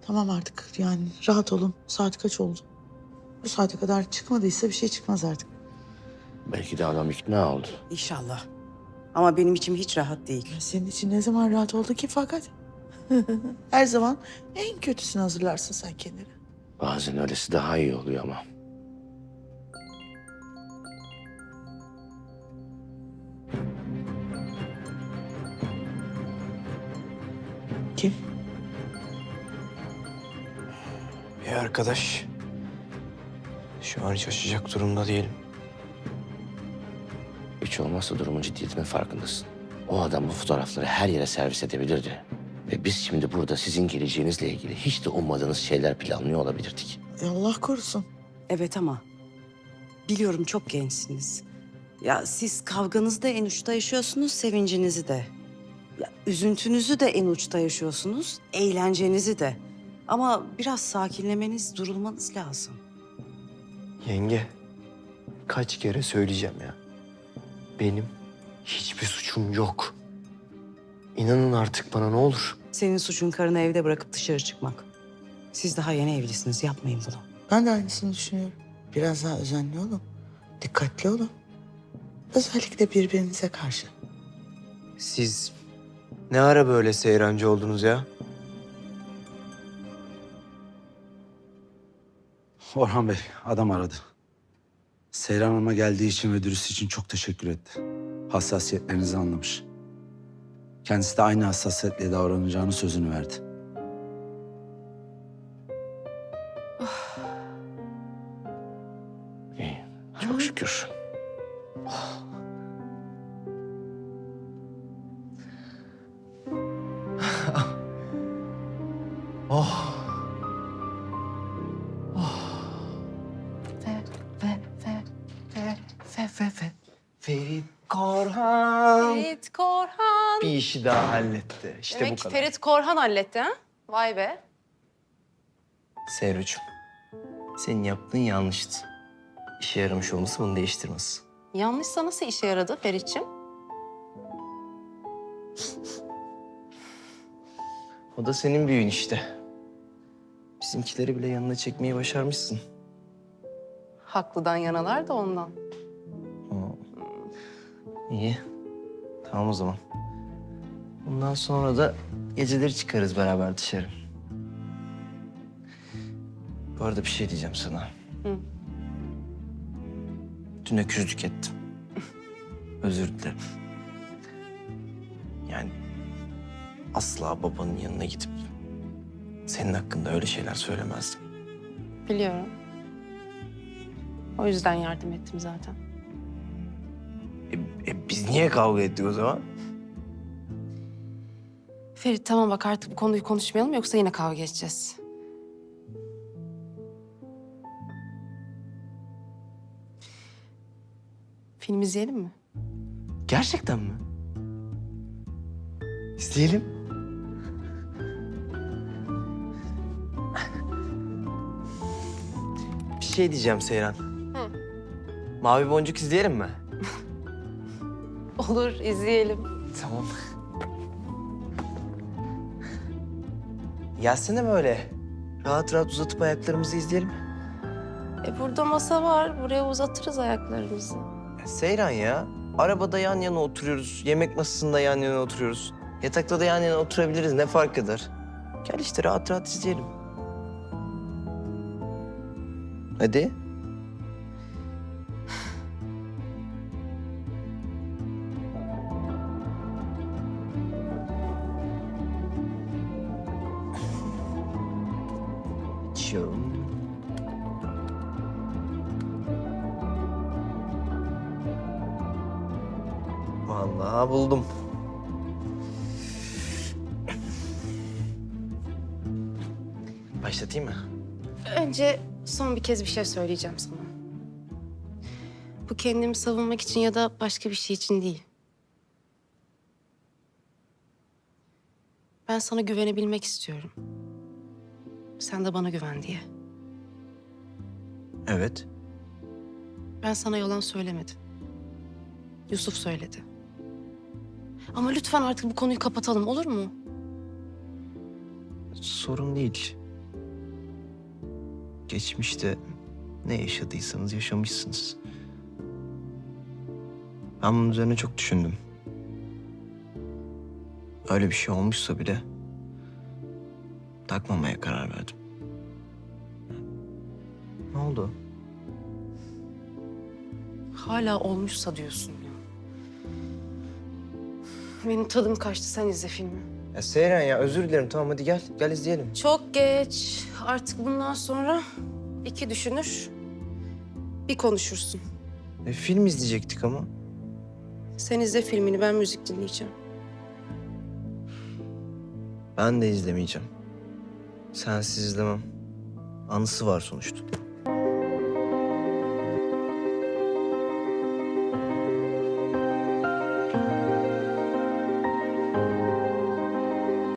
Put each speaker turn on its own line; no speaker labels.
Tamam artık yani rahat olun. Saat kaç oldu? Bu saate kadar çıkmadıysa bir şey çıkmaz artık.
Belki de adam ikna oldu.
İnşallah. Ama benim içim hiç rahat değil.
Senin için ne zaman rahat oldu ki fakat? Her zaman en kötüsünü hazırlarsın sen kendine.
Bazen öylesi daha iyi oluyor ama.
Kim?
Bir arkadaş. Şu an hiç açacak durumda değilim.
Hiç olmazsa durumun ciddiyetinin farkındasın. O adam bu fotoğrafları her yere servis edebilirdi. Ve biz şimdi burada sizin geleceğinizle ilgili hiç de ummadığınız şeyler planlıyor olabilirdik.
Allah korusun.
Evet ama biliyorum çok gençsiniz. Ya siz kavganızı da en uçta yaşıyorsunuz, sevincinizi de. Ya üzüntünüzü de en uçta yaşıyorsunuz, eğlencenizi de. Ama biraz sakinlemeniz, durulmanız lazım.
Yenge, kaç kere söyleyeceğim ya. Benim hiçbir suçum yok. İnanın artık bana ne olur.
Senin suçun karını evde bırakıp dışarı çıkmak. Siz daha yeni evlisiniz, yapmayın bunu.
Ben de aynısını düşünüyorum. Biraz daha özenli olun. Dikkatli olun. Özellikle birbirinize karşı.
Siz ne ara böyle seyrancı oldunuz ya?
Orhan Bey, adam aradı. Seyran Hanım'a geldiği için ve dürüst için çok teşekkür etti. Hassasiyetlerinizi anlamış. Kendisi de aynı hassasiyetle davranacağını sözünü verdi.
İyi, çok şükür.
Oh. Ferit Korhan.
Ferit Korhan.
Bir işi daha halletti. İşte
Demek
bu
ki
kadar.
Ferit Korhan halletti ha? Vay be.
Seyrocuğum, senin yaptığın yanlıştı. İşe yaramış olması bunu değiştirmez.
Yanlışsa nasıl işe yaradı Ferit'ciğim?
O da senin büyüğün işte. Bizimkileri bile yanına çekmeyi başarmışsın.
Haklıdan yanalar da ondan.
İyi. Tamam o zaman. Bundan sonra da geceleri çıkarız beraber dışarı. Bu arada bir şey diyeceğim sana.
Hı.
Dün öküzlük ettim. Özür dilerim. Yani asla babanın yanına gidip senin hakkında öyle şeyler söylemezdim.
Biliyorum. O yüzden yardım ettim zaten.
Biz niye kavga ettik o zaman?
Ferit tamam bak artık bu konuyu konuşmayalım yoksa yine kavga edeceğiz. Film izleyelim mi?
Gerçekten mi? İzleyelim. Bir şey diyeceğim Seyran.
Hı.
Mavi Boncuk izleyelim mi?
Olur izleyelim.
Tamam. Gelsene böyle. Rahat rahat uzatıp ayaklarımızı izleyelim.
Burada masa var. Buraya uzatırız ayaklarımızı.
Seyran ya. Arabada yan yana oturuyoruz. Yemek masasında yan yana oturuyoruz. Yatakta da yan yana oturabiliriz. Ne fark eder? Gel işte rahat rahat izleyelim. Hadi. İçiyorum. Vallahi buldum. Başlatayım mı?
Önce son bir kez bir şey söyleyeceğim sana. Bu kendimi savunmak için ya da başka bir şey için değil. Ben sana güvenebilmek istiyorum. Sen de bana güven diye.
Evet.
Ben sana yalan söylemedim. Yusuf söyledi. Ama lütfen artık bu konuyu kapatalım olur mu?
Sorun değil. Geçmişte ne yaşadıysanız yaşamışsınız. Ben bunun üzerine çok düşündüm. Öyle bir şey olmuşsa bile takmamaya karar verdim. Ne oldu?
Hala olmuşsa diyorsun ya. Benim tadım kaçtı, sen izle filmi.
Ya Seyren ya özür dilerim, tamam hadi gel. Gel izleyelim.
Çok geç. Artık bundan sonra iki düşünür, bir konuşursun.
Film izleyecektik ama.
Sen izle filmini, ben müzik dinleyeceğim.
Ben de izlemeyeceğim. Sensiz izlemem. Anısı var sonuçta.